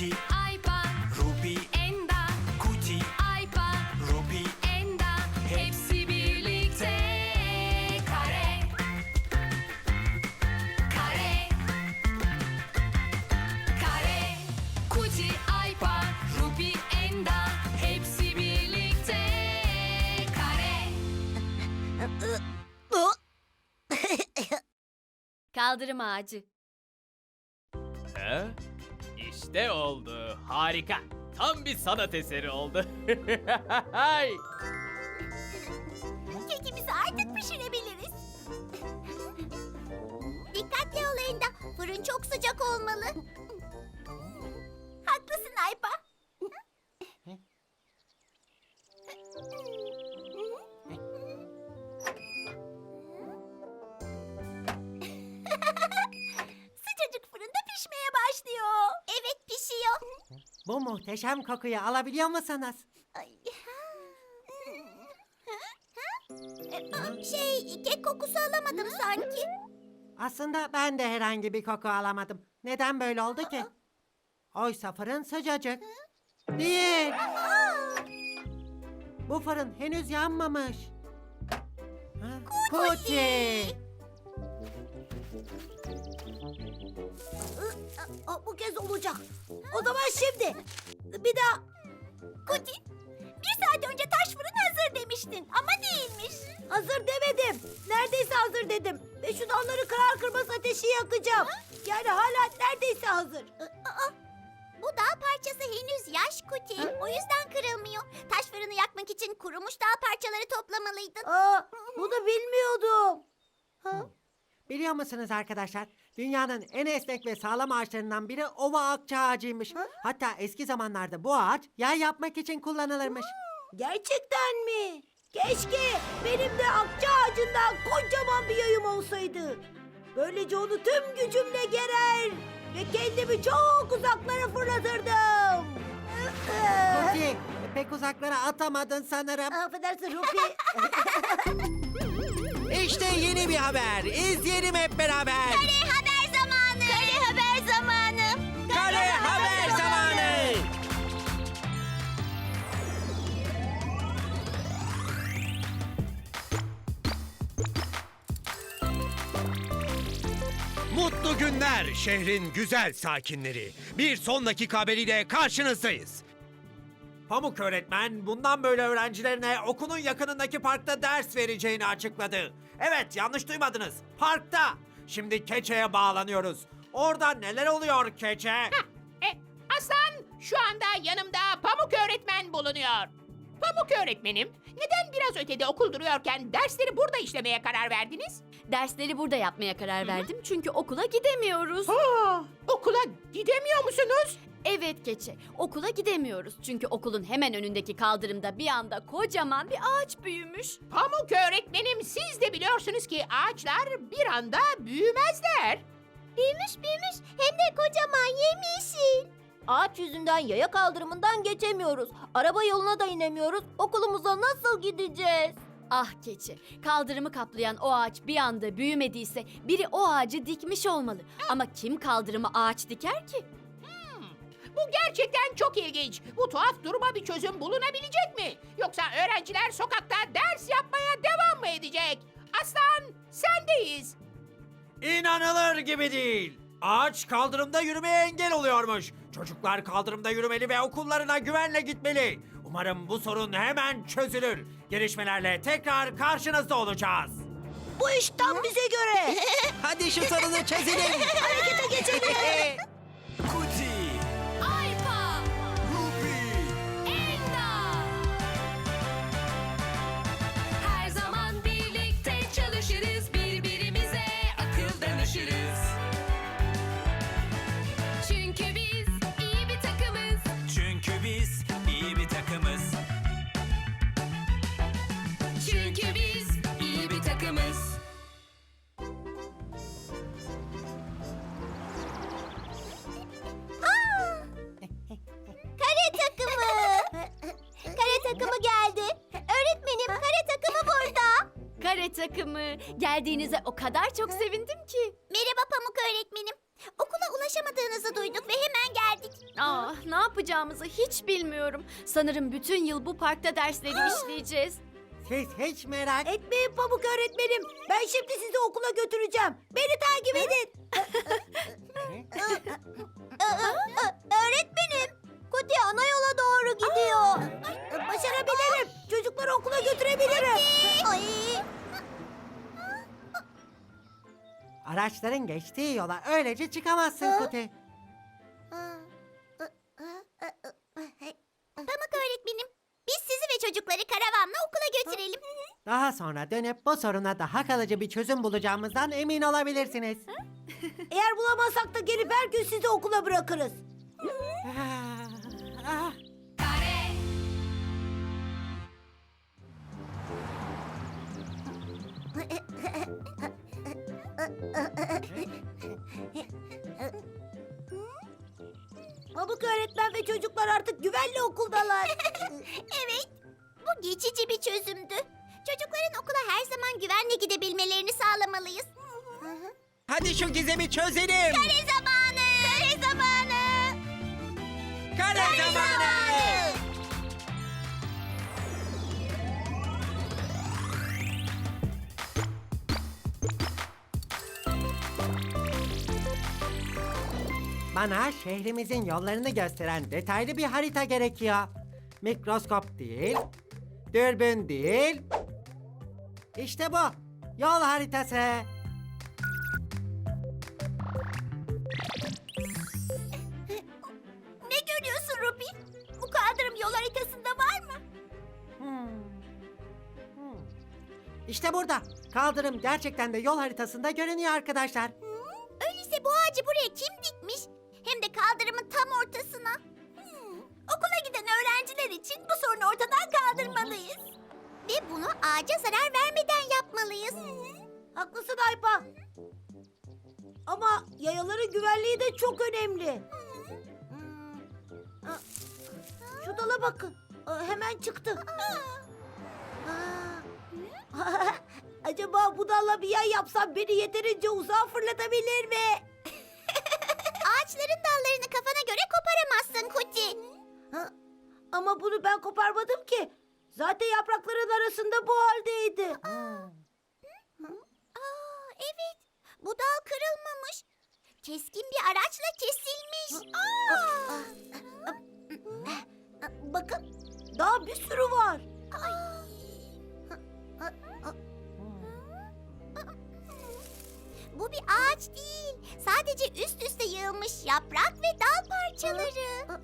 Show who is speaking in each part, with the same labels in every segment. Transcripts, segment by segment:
Speaker 1: Kuti,
Speaker 2: Aypa,
Speaker 1: Ruby,
Speaker 2: Enda,
Speaker 1: Kuti,
Speaker 2: Aypa,
Speaker 1: Ruby,
Speaker 2: Enda, hepsi birlikte. Kare, kare, kare. Kuti, Aypa, Ruby, Enda, hepsi birlikte. Kare. Kaldırım ağacı.
Speaker 3: He? İşte oldu. Harika. Tam bir sanat eseri oldu.
Speaker 4: Kekimizi artık pişirebiliriz. Dikkatli ol Enda. Fırın çok sıcak olmalı. Haklısın Aypa. Sıcacık fırında pişmeye başlıyor. Evet pişiyor.
Speaker 5: Bu muhteşem kokuyu alabiliyor musunuz?
Speaker 4: Ay. Kek kokusu alamadım sanki.
Speaker 5: Aslında ben de herhangi bir koku alamadım. Neden böyle oldu ki? Oysa fırın sıcacık. Değil. Bu fırın henüz yanmamış. Ha? Kuti.
Speaker 4: Bu kez olacak. O zaman şimdi. Bir daha. Kuti, bir saat önce taş fırın hazır demiştin ama değilmiş. Hazır demedim. Neredeyse hazır dedim. Ve şu dalları kırar kırmaz ateşi yakacağım. Yani hala neredeyse hazır. Bu dağ parçası henüz yaş Kuti. O yüzden kırılmıyor. Taş fırını yakmak için kurumuş dağ parçaları toplamalıydın. Bunu bilmiyordum.
Speaker 5: Biliyor musunuz arkadaşlar? Dünyanın en esnek ve sağlam ağaçlarından biri ova akça ağacıymış. Hatta eski zamanlarda bu ağaç yay yapmak için kullanılırmış.
Speaker 4: Gerçekten mi? Keşke benim de akça ağacından kocaman bir yayım olsaydı. Böylece onu tüm gücümle gerer ve kendimi çok uzaklara fırlatırdım.
Speaker 5: Kuti, pek uzaklara atamadın sanırım.
Speaker 4: Affedersin Rupi.
Speaker 6: İşte yeni bir haber. İzleyelim hep beraber.
Speaker 4: Haber zamanı. Kare haber zamanı.
Speaker 6: Kare haber zamanı. Mutlu günler şehrin güzel sakinleri. Bir son dakika haberiyle karşınızdayız.
Speaker 7: Pamuk öğretmen bundan böyle öğrencilerine okulun yakınındaki parkta ders vereceğini açıkladı. Evet, yanlış duymadınız. Parkta. Şimdi Keçe'ye bağlanıyoruz. Orada neler oluyor Keçe?
Speaker 8: Aslan, şu anda yanımda Pamuk öğretmen bulunuyor. Pamuk öğretmenim, neden biraz ötede okul duruyorken dersleri burada işlemeye karar verdiniz?
Speaker 2: Dersleri burada yapmaya karar verdim çünkü okula gidemiyoruz.
Speaker 8: Okula gidemiyor musunuz?
Speaker 2: Evet Keçe, okula gidemiyoruz çünkü okulun hemen önündeki kaldırımda bir anda kocaman bir ağaç büyümüş.
Speaker 8: Pamuk öğretmenim, siz de biliyorsunuz ki ağaçlar bir anda büyümezler.
Speaker 4: Büyümüş hem de kocaman yemyeşil. Ağaç yüzünden yaya kaldırımından geçemiyoruz. Araba yoluna da inemiyoruz. Okulumuza nasıl gideceğiz?
Speaker 2: Ah Keçe, kaldırımı kaplayan o ağaç bir anda büyümediyse biri o ağacı dikmiş olmalı. Ama kim kaldırıma ağaç diker ki?
Speaker 8: Bu gerçekten çok ilginç. Bu tuhaf duruma bir çözüm bulunabilecek mi? Yoksa öğrenciler sokakta ders yapmaya devam mı edecek? Aslan, sendeyiz.
Speaker 7: İnanılır gibi değil. Ağaç kaldırımda yürümeye engel oluyormuş. Çocuklar kaldırımda yürümeli ve okullarına güvenle gitmeli. Umarım bu sorun hemen çözülür. Gelişmelerle tekrar karşınızda olacağız.
Speaker 4: Bu iş tam bize göre.
Speaker 6: Hadi şu sorunu çözelim.
Speaker 4: Harekete geçelim.
Speaker 1: Kuti,
Speaker 2: Aypa,
Speaker 1: Ruby,
Speaker 2: Enda. Her zaman birlikte çalışırız, birbirimize akıl danışırız. Çünkü biz iyi bir takımız.
Speaker 1: çünkü biz iyi bir takımız.
Speaker 2: Çünkü biz iyi bir takımız.
Speaker 4: Kare takımı. Kare takımı geldi. Öğretmenim kare takımı burada.
Speaker 2: Kare takımı, geldiğinize o kadar çok sevindim ki.
Speaker 4: Merhaba Pamuk öğretmenim. Okula ulaşamadığınızı duyduk ve hemen geldik.
Speaker 2: Ah, ne yapacağımızı hiç bilmiyorum. Sanırım bütün yıl bu parkta dersleri işleyeceğiz.
Speaker 5: Siz hiç merak
Speaker 4: Etmeyin Pamuk öğretmenim. Ben şimdi sizi okula götüreceğim. Beni takip edin. Öğretmenim, Kuti ana yola doğru gidiyor. Başarabilirim. Çocukları okula götürebilirim. Ay.
Speaker 5: Araçların geçtiği yola öylece çıkamazsın Kuti.
Speaker 4: Pamuk öğretmenim, biz sizi ve çocukları karavanla okula götürelim.
Speaker 5: Daha sonra dönüp bu soruna daha kalıcı bir çözüm bulacağımızdan emin olabilirsiniz.
Speaker 4: Eğer bulamazsak da gelip her gün sizi okula bırakırız.
Speaker 5: Ah, ah.
Speaker 4: Pamuk öğretmen ve çocuklar artık güvenli okuldalar. Evet, bu geçici bir çözümdü. Çocukların okula her zaman güvenle gidebilmelerini sağlamalıyız.
Speaker 6: Hadi şu gizemi çözelim.
Speaker 4: Kare zamanı! Kare zamanı!
Speaker 6: Kare zamanı.
Speaker 5: Bana şehrimizin yollarını gösteren detaylı bir harita gerekiyor. Mikroskop değil, dürbün değil. İşte bu, yol haritası.
Speaker 4: Ne görüyorsun Ruby? Bu kaldırım yol haritasında var mı?
Speaker 5: İşte burada. Kaldırım gerçekten de yol haritasında görünüyor arkadaşlar.
Speaker 4: Öyleyse bu ağacı buraya kim dikmiş? Hem de kaldırımın tam ortasına. Okula giden öğrenciler için bu sorunu ortadan kaldırmalıyız. Ve bunu ağaca zarar vermeden yapmalıyız. Haklısın Aypa. Ama yayaların güvenliği de çok önemli. Şu dala bakın. Hemen çıktı. Acaba bu dalla bir yay yapsam beni yeterince uzağa fırlatabilir mi? Ağaçların dallarını kafana göre koparamazsın Kuti. Ama bunu ben koparmadım ki. Zaten yaprakların arasında bu haldeydi. Evet. Bu dal kırılmamış. Keskin bir araçla kesilmiş. Bakın. Daha bir sürü var. Bu bir ağaç değil. Sadece üst üste yığılmış yaprak ve dal parçaları.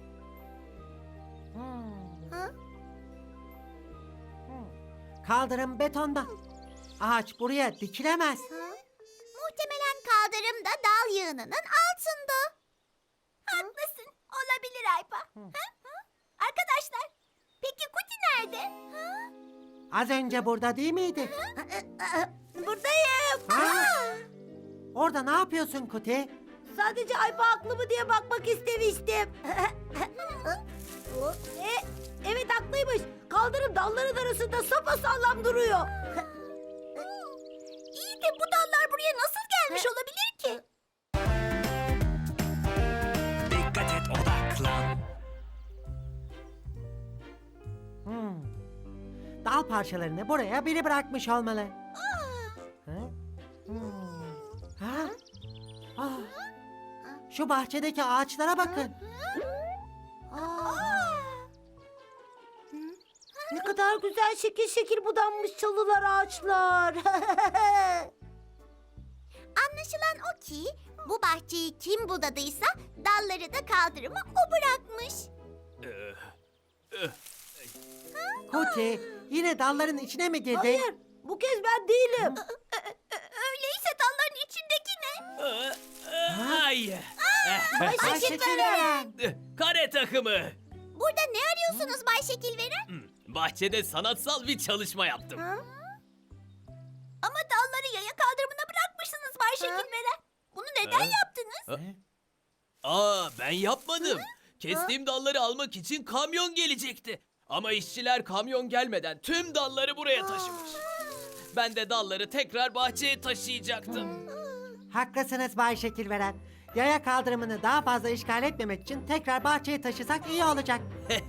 Speaker 5: Kaldırım betonda. Ağaç buraya dikilemez.
Speaker 4: Muhtemelen kaldırım da dal yığınının altında. Haklısın. Olabilir Aypa. Arkadaşlar, peki Kuti nerede?
Speaker 5: Az önce burada değil miydi?
Speaker 4: Buradayım.
Speaker 5: Ha? Orada ne yapıyorsun Kuti?
Speaker 4: Sadece Aypa haklı mı diye bakmak istemiştim. Evet haklıymış. Kaldırım dalların arasında sapasağlam duruyor. İyi de bu dallar buraya nasıl gelmiş olabilir ki?
Speaker 1: Dikkat et, odaklan.
Speaker 5: Dal parçalarını buraya biri bırakmış olmalı. Ha? Ha? Ah. Şu bahçedeki ağaçlara bakın.
Speaker 4: Ne kadar güzel şekil şekil budanmış çalılar ağaçlar. Anlaşılan o ki bu bahçeyi kim budadıysa dalları da kaldırıma o bırakmış.
Speaker 5: Kuti, yine dalların içine mi girdin?
Speaker 4: Hayır, bu kez ben değilim. Öyleyse dalların içindeki ne?
Speaker 3: Hayır.
Speaker 4: Bay Şekilveren.
Speaker 3: Kare takımı.
Speaker 4: Burada ne arıyorsunuz Bay Şekilveren?
Speaker 3: Bahçede sanatsal bir çalışma yaptım.
Speaker 4: Ama dalları yaya kaldırımına bırakmışsınız Bay Şekilveren. Bunu neden yaptınız?
Speaker 3: Ben yapmadım. Kestiğim dalları almak için kamyon gelecekti. Ama işçiler kamyon gelmeden tüm dalları buraya taşımış. Ben de dalları tekrar bahçeye taşıyacaktım.
Speaker 5: Haklısınız Bay Şekilveren. Yaya kaldırımını daha fazla işgal etmemek için tekrar bahçeye taşısak iyi olacak.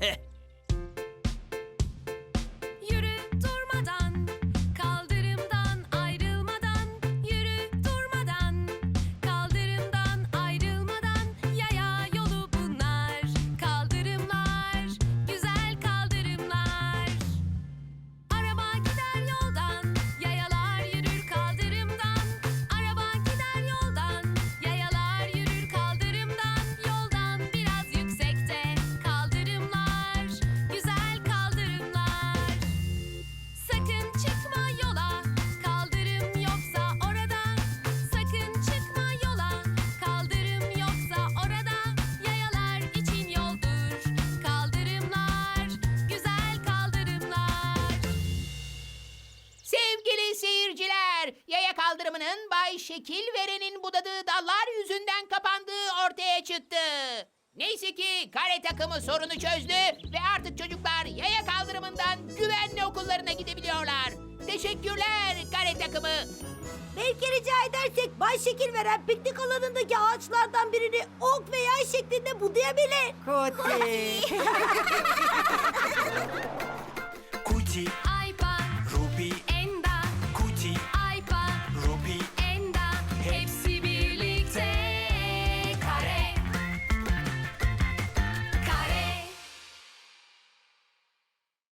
Speaker 9: Yürü durmadan, kaldırımdan ayrılmadan, yürü durmadan, kaldırımdan ayrılmadan, yaya yolu bunlar. Kaldırımlar, güzel kaldırımlar. Araba gider yoldan, yayalar yürür kaldırımdan. Araba gider yoldan, yayalar yürür kaldırımdan. Yoldan biraz yüksekte, kaldırımlar, güzel kaldırımlar. Sakın çıkma yola, kaldırım yoksa orada. Sakın çıkma yola, kaldırım yoksa orada. Yayalar için yoldur, kaldırımlar, güzel kaldırımlar.
Speaker 8: Sevgili seyirciler, yaya kaldırımının Bay Şekilveren'in budadığı dallar yüzünden kapandığı ortaya çıktı. Neyse ki kare takımı sorunu çözdü ve artık çocuklar yaya kaldırımından güvenli okullarına gidebiliyorlar. Teşekkürler kare takımı.
Speaker 4: Belki rica edersek Bay Şekilveren piknik alanındaki ağaçlardan birini ok ve yay şeklinde budayabilir.
Speaker 5: Kuti.
Speaker 1: Kuti